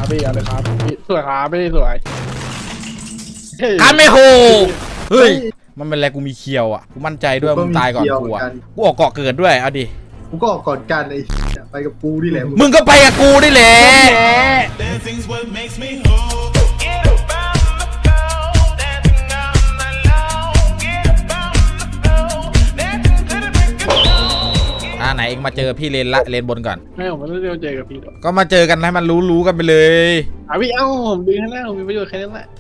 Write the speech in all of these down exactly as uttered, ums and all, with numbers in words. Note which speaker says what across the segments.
Speaker 1: ครับพี่อะไรครับพี่สวยครับไม่ได้สวย
Speaker 2: คันไม่โหเฮ้ยมันเป็นอะไรกูมีเคียวอ่ะกูมั่นใจด้วยมึงตายก่อนกูอ่ะกูออกเกาะเกิดด้วยเอาดิ
Speaker 3: กูก็ออกก่อนกันไอ้ไปกับกูนี่แหละ
Speaker 2: มึงก็ไปกับกูได้แหละอ่าไหนเองมาเจอพี่เลนละเลนบนก่อน
Speaker 1: ไม่ผมไม่ได้เจอกับพี่หรอก
Speaker 2: ก็มาเจอกันให้มันรู้รู้กันไปเลย
Speaker 1: อ่ะพี่เอ้าผมดึงให้แล้วผมมีประโยชน์แค่นั้นแหละ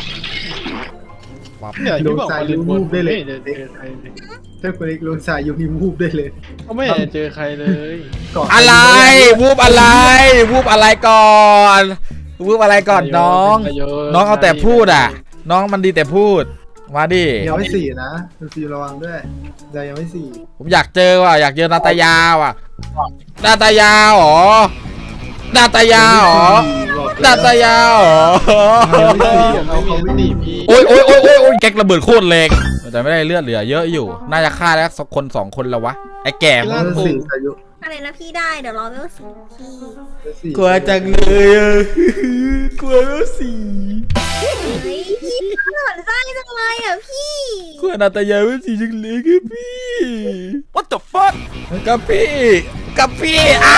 Speaker 1: เนี่ยที่บอกว่าเลนบนได้เลยเจอใครเลย
Speaker 3: ถ้าคนเล็กลงสายยูมีวูบได้เลย
Speaker 1: เขาไม่เจอใครเลย
Speaker 2: อะไรวูบอะไรวูบอะไรก่อนวูบอะไรก่อนน้องน้องเอาแต่พูดอ่ะน้องมันดีแต่พูดมาดิ
Speaker 3: ยังไม่สี่นะฟิวระวังด้วยเรายังไม่สี่
Speaker 2: ผมอยากเจอว่ะอยากเจอนาตายาว่ะนาตายาหรอนาตายาหรอนาตายาหรอโอ้ยโอ้ยโอ้ยโอ้ยโอ้ยแก๊กระเบิดโคตรแรงแต่ไม่ได้เลือดเหลือเยอะอยู่น่าจะฆ่าแล้วสักคนสองคนแล้ววะไอ้แก่
Speaker 3: มันสี่อายุ
Speaker 4: อะไรนะพี่ได้เดี๋ยวรอเวลสี่พี่
Speaker 2: กลัวจังเลยอ่ะกลัวเวลสี่
Speaker 4: เฮ้ยพี่หล่อนไส้จังเลยอ่ะพี่
Speaker 2: กลัวนาตายาเวลสี่จังเลยครับพี่ What the fuck กับพี่กับพี่อ้า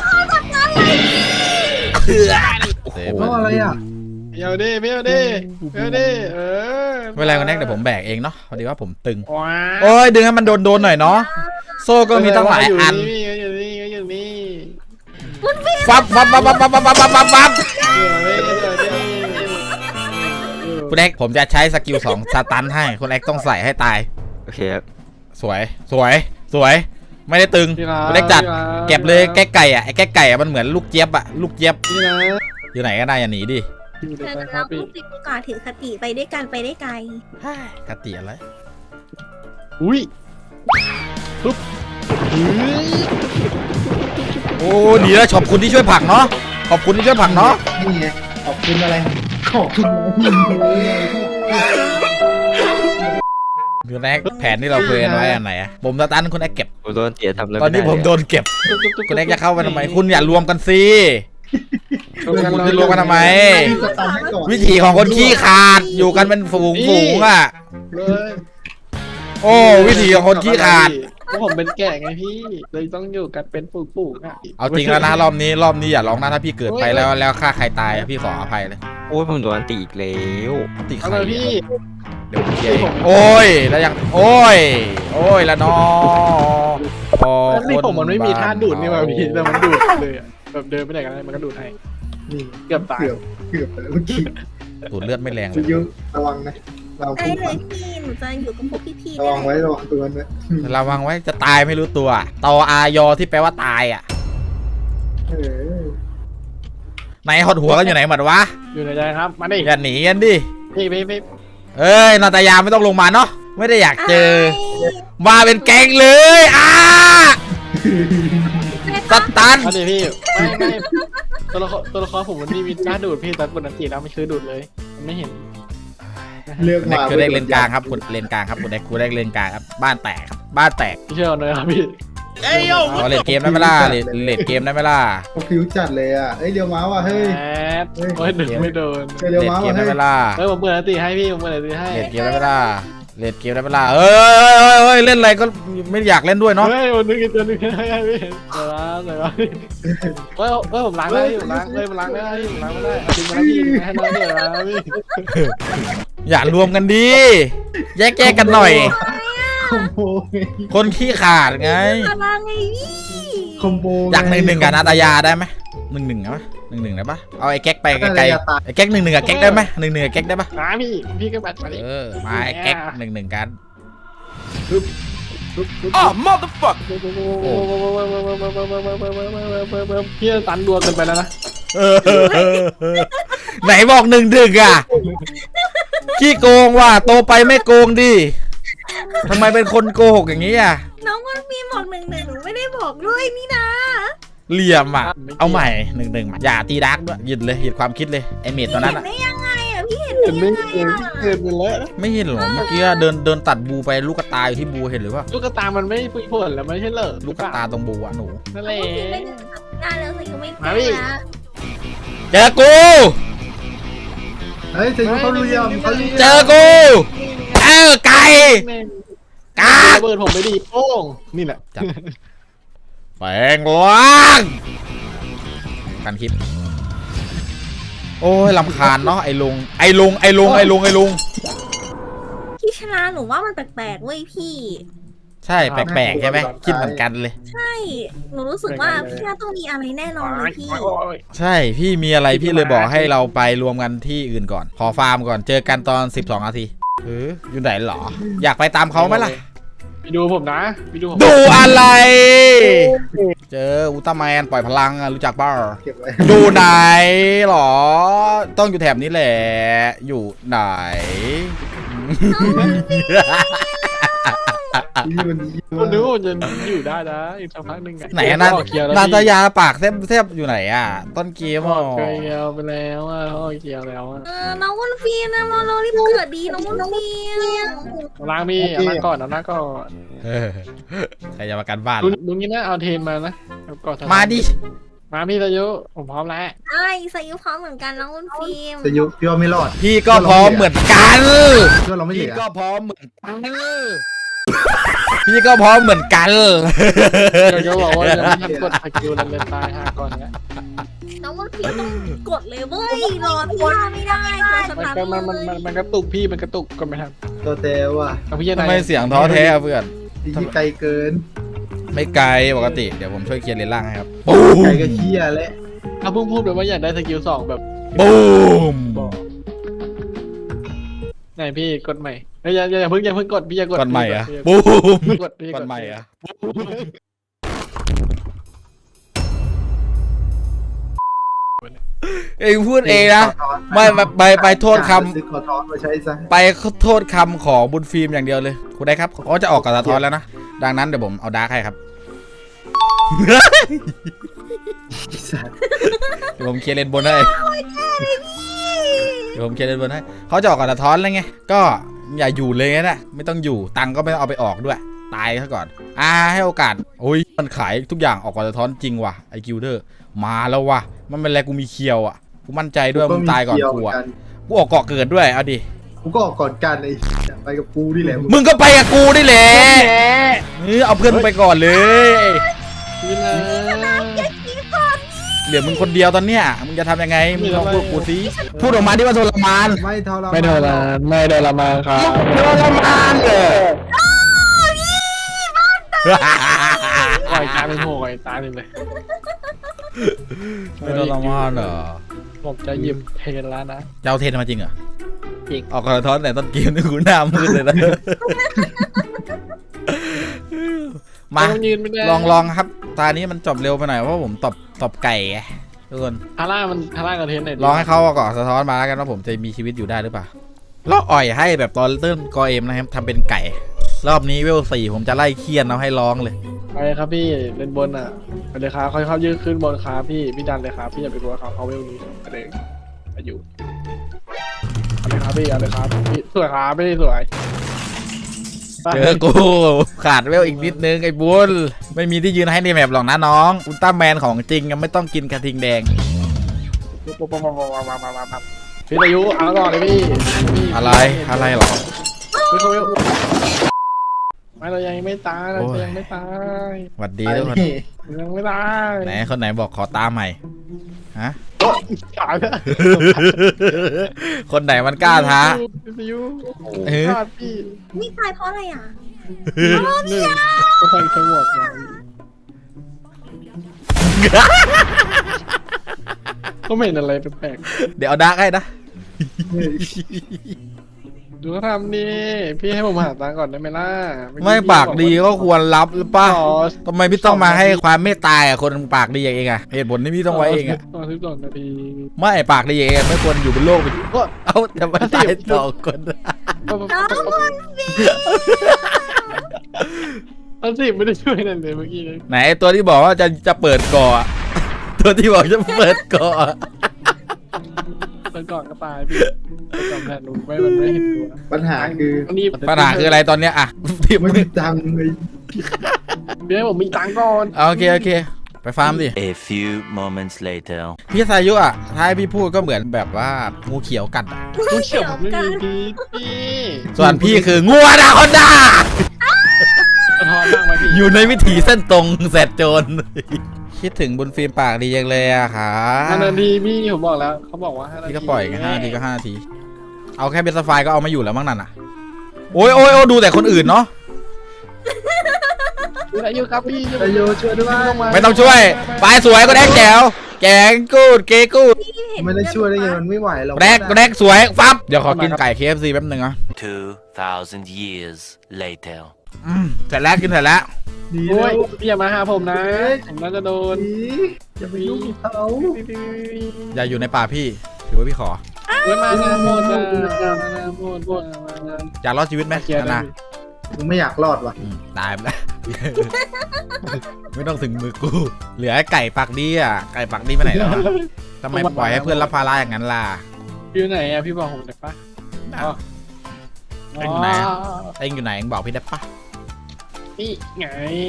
Speaker 3: เพราะอะไรอ่ะ
Speaker 1: เดี๋ยวดิเดี๋ยวดิเดี๋ยวดิเออ
Speaker 2: ไม่เป็นไรคนแรกเดี๋ยวผมแบกเองเนาะพอดีว่าผมตึงโอ้ยดึงให้มันโดนโดนหน่อยเนาะโซ่ก็มีตั้งหลายอัน
Speaker 1: อยู่นี่อยู่นี่
Speaker 2: ฟับฟับฟับฟับฟับฟับฟับฟับฟับคุณแอ็กผมจะใช้สกิลสองสตันให้คุณแอ็กต้องใส่ให้ตาย
Speaker 5: โอเคครับ
Speaker 2: สวยสวยสวยไม่ได้ตึงคุณแอ็กจัดเก็บเลยแก้ไก่อ่ะไอ้แก้ไก่อ่ะมันเหมือนลูกเจี๊ยบอ่ะลูกเจี๊ยบอยู่ไหนก็ได้อย่าหนีดิ
Speaker 4: เธอเราต้องติดโอกาสถือคติไปด้วยกันไปได้ไกล
Speaker 2: คติอะไร
Speaker 1: อุ้ยปุ๊บ
Speaker 2: โอ้ดีแล้วขอบคุณที่ช่วยผักเนาะขอบคุณที่ช่วยผักเนาะ
Speaker 3: นี่ไงขอบคุณอะไรขอบคุณ
Speaker 2: คุณแอ๊กแผนที่เราเคยไว้อันไหนอะผมสตันคุณแอ๊กเก็บ
Speaker 5: ผมโดนเตี๋ยทำเลย
Speaker 2: ตอนนี้ผมโดนเก็บคุณแอ๊กจะเข้าไปทำไมคุณอย่ารวมกันสิคุณจะรวมกันทำไมวิถีของคนขี้ขาดอยู่กันเป็นฝูงฝูงอ่ะโอ้วิถีของคนขี้ขาด
Speaker 1: เพราะผมเป็นแก่ไงพี่เลยต้องอยู่กันเป็นฝูงๆอ่ะ
Speaker 2: เอาจริงแล้วนะรอบนี้รอบนี้อย่าร้องนะถ้าพี่เกิดไปแล้วแล้วฆ่าใครตายพี่ขออภัยเลย
Speaker 5: โอ้ยผมโดนตีอีกแล้ว
Speaker 2: ตีใคร
Speaker 1: พี่
Speaker 2: เดี๋ยวเกียร์โอ้ยแล้วยังโอ้ยโอ้ยแล้วน้อง
Speaker 1: พอนี่ผมมันไม่มีท่าดูดนี่มาพี่แต่มันดูดเลยแบบเดินไปไหนกันมันก็ดูดให้
Speaker 3: นี่
Speaker 1: เกือบตาย
Speaker 3: เกือบไปแล้วเมื่อกี้
Speaker 2: ดูดเลือดไม่แรง
Speaker 3: เลยระวังนะ
Speaker 4: เราได้เลยพี่หนูจะอยู่กับพวกพี่
Speaker 3: ๆระวังไว้ระวังตัวนะ
Speaker 2: ระวังไว้จะตายไม่รู้ตัวตออายอที่แปลว่าตายอ่ะไหนหดหัวกันอยู่ไหนหมดวะ
Speaker 1: อยู่ในใจครับมาดิ
Speaker 2: อย่าหนีกันดิ
Speaker 1: พี่พี่พี่
Speaker 2: เอ้ยนาตายาไม่ต้องลงมาเนาะไม่ได้อยากเจอมาเป็นแก๊งเลยอ่ะสตัน
Speaker 1: มาดิพี่ไม่ไม่ตัวละครตัวละครผมมันนี่มีการดูดพี่แต่ปกติแล้วไม่เคยดูดเลยมันไม่เห็น
Speaker 2: เลือกมาคือได้เลนกลางครับคุณเลนกลางครับคุณได้คุณได้เลนกลางครับบ้านแตกครับบ้านแตก
Speaker 1: พี่เชื่อเลยครับพี่
Speaker 2: เอ้ยโย่เล่นเกมได้ไหมล่ะเล่นเล่นเกมได้ไหมล่ะ
Speaker 3: เขาผิวจัดเลยอ่ะเอ้ยเดี๋ยวม้าว่ะเฮ้ย
Speaker 1: โอ้ยดึงไม่โดน
Speaker 3: เดี๋ยวม้าว่ะ
Speaker 2: ได้ไหมล่ะ
Speaker 1: เฮ้ยผมเปิดตีให้พี่ผมเปิดตีให้
Speaker 2: เล่นเกมได้ไหมล่ะเล่นเกมได้ไหมล่ะเอ้ยเอ้ยเล่นอะไรก็ไม่อยากเล่นด้วยเนาะ
Speaker 1: เฮ้ยวันนึงอีกตัวนึงให้พี่เดี๋ยวล้างเดี๋ยวล้างเฮ้ยเฮ้ยผมล้างได้ผมล้างเลยผมล้างได้ผมล้างไม่ได้จริงมาพี่ให้น้องเดี๋ยวล้างพี่
Speaker 2: อย่ารวมกันดีแยกแยกกันหน่อยคนขี้ขาดไง
Speaker 3: คอมโบ
Speaker 2: อยากหนึ่งหนึ่งกับนาตายาได้ไหมหนึ่งหนึ่งไหมหนึ่งหนึ่งได้ปะเอาไอ้แก๊กไปไกลๆไอ้แก๊กหนึ่งหนึ่งกับแก๊กได้ไหมหนึ่งหนึ่งกับแก๊กได้ปะ
Speaker 1: มาพี่พี่ก็บัดมาดิ
Speaker 2: เออมาไอ้แก๊กหนึ่งหนึ่งกัน
Speaker 1: อ๋อ motherfuck พี่ตันดัวเกินไปแล้วนะ
Speaker 2: ไหนบอกหนึ่งหนึ่งอ่ะขี้โกงว่ะโตไปไม่โกงดิทำไมเป็นคนโกหกอย่างนี้อ่ะ
Speaker 4: น้องมันมีบอกหนึ่งหนึ่งหนูไม่ได้บอกด้วยนี่นะ
Speaker 2: เหลี่ยมอ่ะเอาใหม่หนึ่งหนึ่งอย่าตีดักด้วยหยุดเลยหยุดความคิดเลยไอเมดตอนนั้นอ่ะ
Speaker 4: ได้ยังไงอ่ะพี่เห็นได้ยังไงอ่ะ
Speaker 1: เห็นไปแล้ว
Speaker 2: ไม่เห็นหรอเมื่อกี้เดินเดินตัดบูไปลูกกระตาอยู่ที่บูเห็นหรือเปล่า
Speaker 1: ลูกกระตามันไม่ฟุ้ยผลแล้วไม่ใช่เหรอ
Speaker 2: ลูกกระตาตรงบูอ่ะหนู
Speaker 1: นั่นแหละ
Speaker 4: ได้แล้วสิก็ไม่ได้ละ
Speaker 2: เจอกู
Speaker 3: เฮ้ยจะยุ่งเขาเรียมเขาเรียม
Speaker 2: เจอกูเออไก่กา
Speaker 1: ระเบิดผมไปดิโป้งนี่แหละ
Speaker 2: จับแปลงร่างกันคลิปโอ้ยลำคาญเนาะไอ้ลุงไอ้ลุงไอ้ลุงไอ้ลุงไอ้ลุง
Speaker 4: พี่ชนะหนูว่ามันแปลกๆเว้ยพี่
Speaker 2: ใช่แปลกๆใช่ไหมคิดเหมือนกันเลย
Speaker 4: ใช่หนูรู้สึกว่าพี่น่าต้องมีอะไรแน่นอนเลยพี่
Speaker 2: ใช่พี่มีอะไรพี่เลยบอกให้เราไปรวมกันที่อื่นก่อนขอฟาร์มก่อนเจอกันตอนสิบสองนาทีเอออยู่ไหนหรออยากไปตามเขาไหมล่ะ
Speaker 1: ไปดูผมนะไปดูผม
Speaker 2: ดูอะไร เจออุลตร้าแมนปล่อยพลังอะรู้จักเปล่า
Speaker 3: เก็บไว้
Speaker 2: อยู่ไหนหรอ ต้องอยู่แถบนี้แหละ อยู่ไหน
Speaker 3: ที่วันนี้
Speaker 1: คนนึกว่าจะอยู่ได้นะอีกสักพักหนึ่ง
Speaker 2: ไหนอะนา
Speaker 1: เกียวแล้ว
Speaker 2: นาตายาปากเทบเทบอยู่ไหนอ่ะ ต้นเกม
Speaker 1: อ
Speaker 2: อ่ะ
Speaker 1: อกเกียวไปแล้วอ่ะออกเกียวแล้วอ่ะ
Speaker 4: เออน้องวุ้นฟีนะเราเรารีบเกิดดีน้องวุ้นฟี
Speaker 1: ล้างมีเอาล้างก่อนเอาล้างก่อน
Speaker 2: เออใครจะมากันบ้าน
Speaker 1: ลุงลุงนี่นะเอาเทนมานะเอาก่อน
Speaker 2: มาดิ
Speaker 1: มาพี่ตายุผมพร้อมแล้ว
Speaker 4: ใช่สายุพร้อมเหมือนกันน้องวุ้นฟีม
Speaker 3: จะยุ่งพี่ว่าไม่รอด
Speaker 2: พี่ก็พร้อมเหมือนกัน
Speaker 3: พี่ว่าเราไม่เห
Speaker 2: พี่
Speaker 3: ลือ
Speaker 2: ก็พร้อมเหมือนกัน พี่ก็พร้อมเหมือนกัน
Speaker 1: เดี๋ยวจะบอกว่าจะไม่ทันกดสกิลแล้วเลยตายห้าก่อนเนี้ย
Speaker 4: น้องวุ้นฟีมต้องกดเลยเว้ยรอพี่ท่าไม่ได้ตัวส
Speaker 1: มัน
Speaker 4: ตาร์
Speaker 1: ก็
Speaker 4: ท
Speaker 1: มันมัน
Speaker 4: เล
Speaker 1: มัน
Speaker 4: ย
Speaker 1: มันกระตุกพี่มันกระตุกก็ไม่ทัน
Speaker 3: ตัวเตวว่ะ
Speaker 1: เอาพี่ยัน
Speaker 2: ทำ
Speaker 1: ไห
Speaker 2: ไม
Speaker 1: น
Speaker 2: เสียงท้อแท้อะเพื่อน
Speaker 3: ที่ไกลเกิน
Speaker 2: ไม่ไกลปกติ เดี๋ยวผมช่วยเคลียร์เลนล่างให้ครับบู
Speaker 3: ไกล
Speaker 2: ม
Speaker 3: ก็เคี้ยแล้ว
Speaker 1: เอาเพิ่งพูดเลยว่าอยากได้สกิลสองแบบ
Speaker 2: บูม
Speaker 1: บอกไหนพี่กดใหม่อย่าอย่าอย่าเพิ่งอย่าเพิ่งกดพี่อย่ากด
Speaker 2: ก่อนใหม่อะ
Speaker 1: พี่
Speaker 2: บูม
Speaker 1: กดพี่
Speaker 2: ก่อนใหม่อะเองพูดเองนะ ไม่ไปไปไปโทษคำ
Speaker 3: ซื้อขอทอนมาใช้ซะ
Speaker 2: ไปโทษคำของบุญฟิล์มอย่างเดียวเลยคุณได้ครับเขาจะออกกับสะท้อนแล้วนะ ดังนั้นเดี๋ยวผมเอาดาร์กให้ครับ เดี๋ยวผมเคลียร์เลนบนให้เดี๋ยวผมเคลียร์เลนบนให้เขาจะออกกับสะท้อนแล้วไงก็อย่าอยู่เลยนะไม่ต้องอยู่ตังค์ก็ไม่ต้องเอาไปออกด้วย ตายซะก่อนอ่าให้โอกาสโอ้ยมันขายทุกอย่างออกกับสะท้อนจริงว่ะไอกิลเดอร์มาแล้วว่ะมันเป็นอะไรกูมีเคียวอ่ะกูมั่นใจด้วยมึงตายก่อนกูอ่ะกูออกเกาะเกิดด้วยเอาดิ
Speaker 3: กูก็ออกก่อนกันไอ้ไปกับกูนี่แหละ
Speaker 2: มึงก็ไปกับกูนี่แหละเออเอาเพื่อนมึงไปก่อนเลย
Speaker 1: พี่นะ
Speaker 2: เหลือมึงคนเดียวตอนเนี้ยมึงจะทำยังไงมึงลองพูดกูสิพูดออกมาที่ว่าทรมาน
Speaker 3: ไม่ทรมาน
Speaker 1: ไม่โดนละไม่โดนละมาครับ
Speaker 2: ทรมานเลย
Speaker 1: ปล่อยตายเป็นโหยตายเลยเลย
Speaker 2: ไม่ทรมานเหรอ
Speaker 1: ผมจะหยิบเทนแล้วนะ
Speaker 2: จะเอาเทนมาจริงเหรอ
Speaker 1: จริง
Speaker 2: ออกกระท้อนแต่ต้นเกมนี่กูหน้ามืดเลยนะมา
Speaker 1: ต้องยืนไม่ได้
Speaker 2: ลองลองครับตานี้มันจบเร็วไปหน่อยเพราะผมตบตบไก่ไงทุกคน
Speaker 1: ทาร่ามันทาร่ากับเทนไหน
Speaker 2: ลองให้เขาเอาเกาะสะท้อนมาแล้วกันว่าผมจะมีชีวิตอยู่ได้หรือเปล่าแล้วอ่อยให้แบบตอนเริ่มกอเอ็มนะครับทำเป็นไก่ รอบนี้เวลสี่ผมจะไล่เคียนเอาให้ร้องเลย
Speaker 1: ไปครับพี่เล่นบนอ่ะไปเลยครับค่อยเข้ายืดขึ้นบนครับพี่พี่ดันเลยครับพี่อย่าไปกลัวเขาเขาเวลนี้ไปเลยไปอยู่เอาเลยครับพี่เอาเลยครับพี่สวยครับพี่สวย
Speaker 2: เจอกูขาดเวลอีกนิดนึงไอ้บุญไม่มีที่ยืนให้ในแมปหรอกนะน้องอุลตร้าแมนของจริงยังไม่ต้องกินกระทิงแดง
Speaker 1: พี่อายุเอาก่อนเลยพี่พี่
Speaker 2: อะไรอะไรหรอ
Speaker 1: พี่เขาเวลไม่เรายังไม่ตายเรายังไม่ตาย
Speaker 2: หวัดดี
Speaker 3: ไป
Speaker 2: ทุกคน
Speaker 3: นี่
Speaker 1: ยังไม่ตาย
Speaker 2: ไหนคนไหนบอกขอตาใหม่ฮะ
Speaker 1: ตายแล้ว
Speaker 2: คนไหนมันกล้าท้า
Speaker 1: พี่อายุ
Speaker 2: เออ
Speaker 1: พลาดพี่
Speaker 4: นี่ตายเพราะอะไรอ่ะ
Speaker 1: หนึ่งก็ใส่สงบมาก็ไม่เห็นอะไรแปลก
Speaker 2: เดี๋ยวเอาดาร์กให้นะ
Speaker 1: ๆดูเขาทำนี่พี่ให้ผมหาตังค์ก่อนได้ไหมล่ะ
Speaker 2: ไม่ปากดีก็ควรรับหรือป่ะ
Speaker 1: ต่อ
Speaker 2: ทำไมพี่ต้องมาให้ความเมตตาอ่ะคนปากดีอย่างเองอ่ะเหตุผลที่พี่ต้องไว้เองอ่ะ
Speaker 1: ต่อสิบสองนาที
Speaker 2: ไม่ปากดีอย่างเองไม่ควรอยู่บนโลก
Speaker 1: ก็
Speaker 2: เอ้าแต่ไม่ตายสองคน
Speaker 4: น้องวุ้นฟีม
Speaker 1: อันสิไม่ได้ช่วยนั่นเลยเมื่อกี้เลย
Speaker 2: ไหนตัวที่บอกว่าจะจะเปิดก่ออะตัวที่บอกจะเปิดก่ออะ
Speaker 1: ตอนก่อนก็ตายพี่ตอนแทนลุงไม่มันไม่เห็นตัว
Speaker 3: ปัญหาคือ
Speaker 1: นี่
Speaker 2: ปัญหาคืออะไรตอนเนี้ยอ่ะพี่
Speaker 3: ไม่มีตังค์เลย
Speaker 1: เดี๋ยวให้ผมมีตังค์ก่อน
Speaker 2: เอาโอเคโอเคไปฟาร์มดิ
Speaker 6: A few moments later.
Speaker 2: พี่สายุอ่ะถ้าให้พี่พูดก็เหมือนแบบว่างูเขียวกัดอะ
Speaker 1: กูเขียวผมไม่มีพีทพี่
Speaker 2: ส่วนพี่คืองูอนาคอนดา
Speaker 1: สะท้อนบ้างไหมพี่
Speaker 2: อยู่ในวิถีเส้นตรงแสดโจร คิดถึงบุญฟิล์มปากดีจังเลยอะค่ะ
Speaker 1: ห้านาทีพี่ผมบอกแล้วเขาบอกว่าห้านาที
Speaker 2: พี่ก็ปล่อยกันห้านาทีก็ห้านาที เอาแค่เบสไฟก็เอามาอยู่แล้วมั้งนั่นอ่ะ โอ้ยโอ้ยโอ้ยดูแต่คนอื่นเนาะ
Speaker 1: พี่อายุครับพี่
Speaker 3: นายโยช่วยด้วย
Speaker 2: ไม่ต้องช่วยปลายสวยก็แดกแจ๋วแกงกูดเกกูด
Speaker 3: ไม่ได้ช่วยได้ไงมันไม่ไหวหรอก
Speaker 2: แดกก็แดกสวยฟับเดี๋ยวขอกินไก่ เค เอฟ ซี แป๊บนึงอ่ะ
Speaker 6: Two thousand years later.
Speaker 2: อืมเสร็จแล้วกินเสร็จแล้ว
Speaker 3: ดี
Speaker 1: โอ้
Speaker 3: แล้
Speaker 1: ยว พี่อย่ามาหาผมนะผมน่าจะโดน
Speaker 3: ดีอย่าไปยุ่งกับเขา
Speaker 2: อย่าอยู่ในป่าพี่ถือว่าพี่ขอ
Speaker 1: เฮ้ยมาหมดมาหมดหมด
Speaker 2: อยากรอดชีวิตไหม
Speaker 1: เกียร์
Speaker 2: นะ
Speaker 3: กูไม่อยากรอดว่ะ
Speaker 2: อืมตายไปแล้ว ไม่ต้องถึงมือกู เหลือไอ้ไก่ปากดีอ่ะไก่ปากดีไปไหนแล้วอะทำไมปล่อยให้เพื่อนรับภาระอย่างนั้นล่ะ
Speaker 1: พี่ไหนอ่ะพี่บอกผมได้ปะ
Speaker 2: เอ็งอยู่ไหนเอ็งอยู่ไหนเอ็งบอกพี่ได้ปะ
Speaker 1: นี่ไง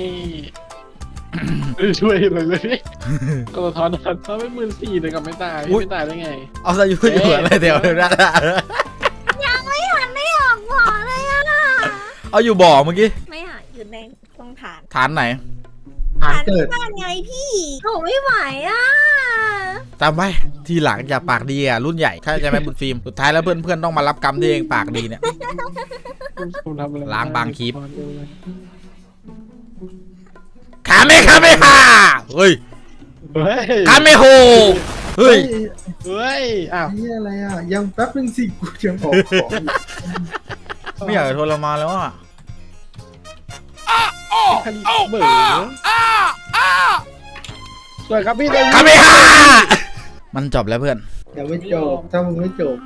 Speaker 1: ช่วยเลยเลยพี่ก็สะท้อนถ้าไม่หมื่นสี่เลยกับไม่ตายไม่ตายได้ไง
Speaker 2: เอาซะอยู่อยู่อะไรเดี๋ยวเดี๋ยวนะ
Speaker 4: ยังไม่หันไม่ออกบ่อเลยอะ
Speaker 2: เอาอยู่บ่อเมื่อกี้
Speaker 4: ไม่หันอยู่ในตรงฐาน
Speaker 2: ฐานไหน
Speaker 3: หาเกิด
Speaker 4: บ้านไงพี่โหไม่ไหวอ่ะ
Speaker 2: จำไว้ทีหลังอย่าปากดีอ่ะรุ่นใหญ่ใช่ไหมบุญฟิล์มสุดท้ายแล้วเพื่อนๆต้องมารับกรรมที่เองปากดีเนี่ย
Speaker 1: ผมทำอะไร
Speaker 2: ล้างบางคลิป ขาไม่ขาไม่ฮ่าเฮ้ย
Speaker 1: เฮ้ย
Speaker 2: ขาไม่โหเฮ้ย
Speaker 1: เฮ้ยอ้าว
Speaker 3: นี่อะไรอ่ะยังแป๊บนึงสิกูยังออกของ
Speaker 2: ไม่อยากจะทรมานแล้วอ่ะ
Speaker 1: คันเบื่อสวยครับพี่เลย
Speaker 2: ขาไม่ฮ่ามันจบแล้วเพื่อน
Speaker 3: ยังไม่จบถ้ามึงไม่จบ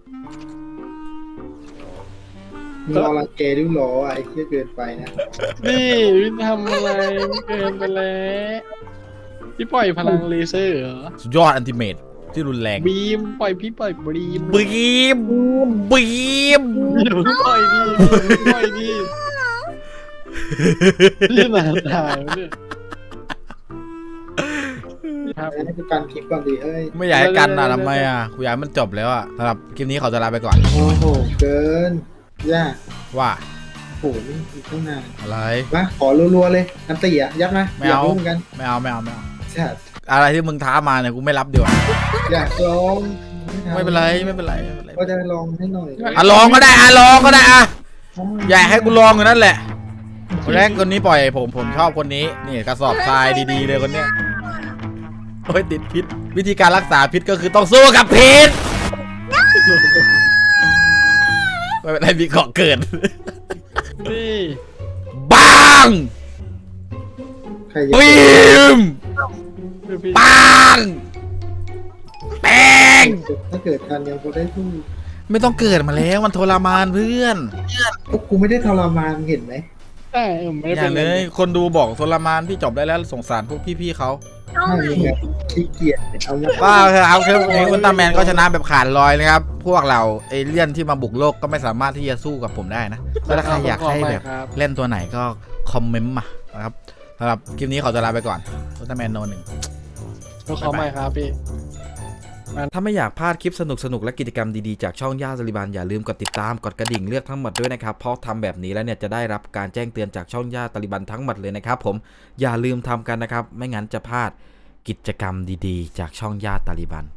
Speaker 3: มึงรอรังเกดูหรออ่ะไอ้เหี้ยเกินไปนะ
Speaker 1: นี่พี่ทำอะไรเกินไปแล้วพี่ปล่อยพลังเลเซอร์เหรอ
Speaker 2: สุดยอดอันติเมตที่รุนแรง
Speaker 1: บีมปล่อยพี่ปล่อยบีม
Speaker 2: บีมบีม
Speaker 1: เดี๋ยวปล่อยดีปล่อยดีพี่หนาตายเนี่ยครับ
Speaker 3: ให้กูกันคลิปก่อนดิเฮ้ย
Speaker 2: ไม่อยากให้กันอ่ะทำไมอ่ะกูอยากให้มันจบแล้วอ่ะสำหรับคลิปนี้ขอจะลาไปก่อน
Speaker 3: โอ้โหเกินย่า
Speaker 2: ว่า
Speaker 3: โอ้โหนี่อีกตั้งนาน
Speaker 2: อะไร
Speaker 3: มาขอรัวๆเลยน้ำตีอ่ะยัดมา
Speaker 2: ไม่เอา
Speaker 3: ยกรู้เหมือนกัน
Speaker 2: ไม่เอาไม่เอาไม่เอา
Speaker 3: จัด
Speaker 2: อะไรที่มึงท้ามาเนี่ยกูไม่รับดีกว่า
Speaker 3: อยากลอง
Speaker 2: ไม่เป็นไรไม่เป็นไรไม่เป็นไร
Speaker 3: ก็จะลองให้หน่อย
Speaker 2: อ่ะลองก็ได้อ่ะลองก็ได้อ่ะอย่าให้กูลองอยู่นั่นแหละคนแรกคนนี้ปล่อยผมผมชอบคนนี้นี่กระสอบทรายดีๆเลยคนเนี้ยโอ้ยติดพิษวิธีการรักษาพิษก็คือต้องสู้กับพิษไม่เป็นไรมีเกาะเกิด
Speaker 1: นี่
Speaker 2: บัง
Speaker 3: ใครจะ
Speaker 2: ปิมปังแปง
Speaker 3: ถ้าเกิดทันยังพอได้สู้
Speaker 2: ไม่ต้องเกิดมาแล้วมันทรมานเพื่อน
Speaker 3: พวกกูไม่ได้ทรมานเห็นไหม
Speaker 1: ใช่ผมไม่ได้
Speaker 2: อ
Speaker 1: เป็
Speaker 2: ย่าน ง
Speaker 1: เล
Speaker 2: เลย
Speaker 1: ย
Speaker 2: คนดูบอกทรมานพี่จบได้แล้วสงสารพวกพี่ๆเขา
Speaker 4: เอา
Speaker 3: ถ้า
Speaker 4: ไหน
Speaker 3: มีแบบขี้เกียจเอามา
Speaker 2: ว่าเถอะครับคือในอุลตร้าแมนก็ชนะแบบขาดลอยนะครับ พวกเราเอเลี่ยนที่มาบุกโลกก็ไม่สามารถที่จะสู้กับผมได้นะก็ถ้าใครอยากให้แบบ
Speaker 1: ครับ
Speaker 2: เล่นตัวไหนก็คอมเมนต์มานะครับสำหรับคลิปนี้ขอตัวลาไปก่อนอุลตร้าแมนโนหนึ่ง
Speaker 1: ก็ขอใหม่ครับพี่
Speaker 2: ถ้าไม่อยากพลาดคลิปสนุกๆและกิจกรรมดีๆจากช่องย่าสลิบันอย่าลืมกดติดตามกดกระดิ่งเลือกทั้งหมดด้วยนะครับเพราะทำแบบนี้แล้วเนี่ยจะได้รับการแจ้งเตือนจากช่องย่าตาลิบันทั้งหมดเลยนะครับผมอย่าลืมทำกันนะครับไม่งั้นจะพลาดกิจกรรมดีๆ จากช่องย่าตาลิบัน